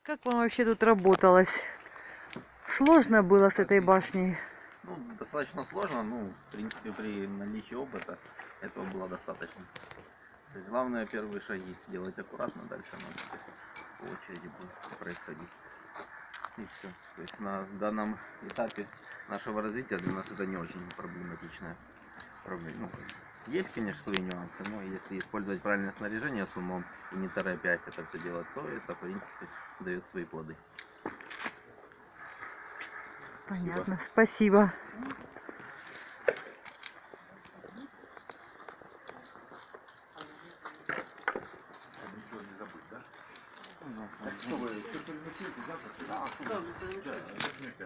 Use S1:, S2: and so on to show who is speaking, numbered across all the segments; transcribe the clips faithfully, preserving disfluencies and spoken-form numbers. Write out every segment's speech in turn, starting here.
S1: Как вам вообще тут работалось? Сложно было с этой башней?
S2: Ну, достаточно сложно, ну, в принципе, при наличии опыта этого было достаточно. То есть главное первые шаги делать аккуратно, дальше надо по очереди будет происходить. И все. То есть на данном этапе нашего развития для нас это не очень проблематичная проблема. Ну, есть, конечно, свои нюансы, но если использовать правильное снаряжение с умом и не торопясь это все делать, то это, в принципе, дает свои плоды.
S1: Понятно, спасибо.
S3: Так что вы, все переносите завтра? Да, да, да.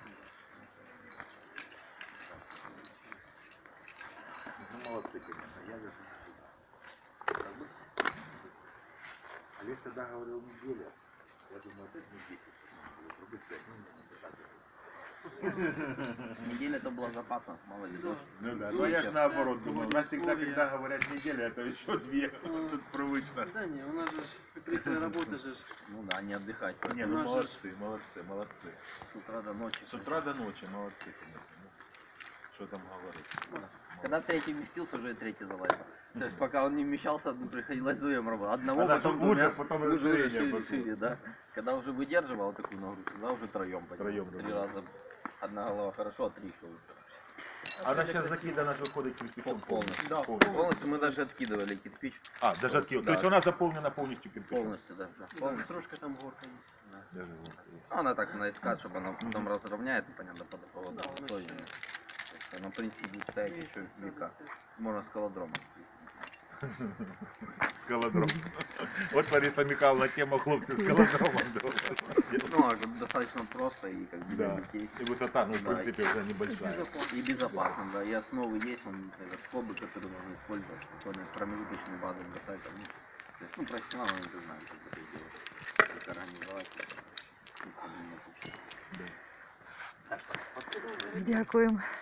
S3: Ну, молодцы, конечно, я даже не буду. Олег тогда говорил неделя. Я думаю, опять не десять.
S2: Неделя это была запаса, мало ли дождь.
S3: Ну да, но я же наоборот думаю. У нас всегда, когда говорят неделя, это еще две. Тут привычно.
S4: Да не, у нас же прикрытая работа же.
S2: Ну да, не отдыхать.
S3: Не, ну молодцы, молодцы, молодцы.
S2: С утра до ночи.
S3: С утра до ночи, молодцы, конечно. Ну, что там говорить?
S2: Когда третий вместился, уже и третий залазил. То есть пока он не вмещался, приходилось вдвоем работать. Одного,
S3: Когда
S2: потом
S3: уже,
S2: двумя,
S3: потом
S2: уже
S3: расширение
S2: шире,
S3: пошло.
S2: шире, да. Когда уже выдерживал такую нагрузку, тогда уже троем поднял.
S3: Троем,
S2: Три
S3: да.
S2: раза. Одна голова хорошо, а три еще лучше.
S3: Она сейчас закидана, выходит кирпичом
S2: Полностью.
S4: Да,
S2: Полностью мы даже откидывали кирпич.
S3: А, даже откидывала. То
S2: Да.
S3: есть она заполнена полностью кирпичом?
S2: Полностью, да. да,
S4: да,
S2: полностью.
S4: трошка там горка есть.
S2: Да.
S3: Даже вот.
S2: Она так наискать, чтобы она потом разровняется, понятно, под поводу
S4: Да, она
S2: условиями. То есть она, в принципе, будет стоять еще века. Можно скалодрома.
S3: Скалодром. Вот Лариса Михайловна тема хлопцы с скалодромом.
S2: Ну, а достаточно просто и как бы для
S3: Да.
S2: детей.
S3: И высота, ну, в
S2: Да.
S3: принципе, уже небольшая.
S2: И безопасно, да. И основы есть, он, это, скобы, которые можно использовать, спокойно, промежуточные базы бросать. Там, ну, то есть, ну, профессионалы не знают, как это делать, как организовать. Ну, проблем нет вообще.
S3: Да.
S1: Дякуємо.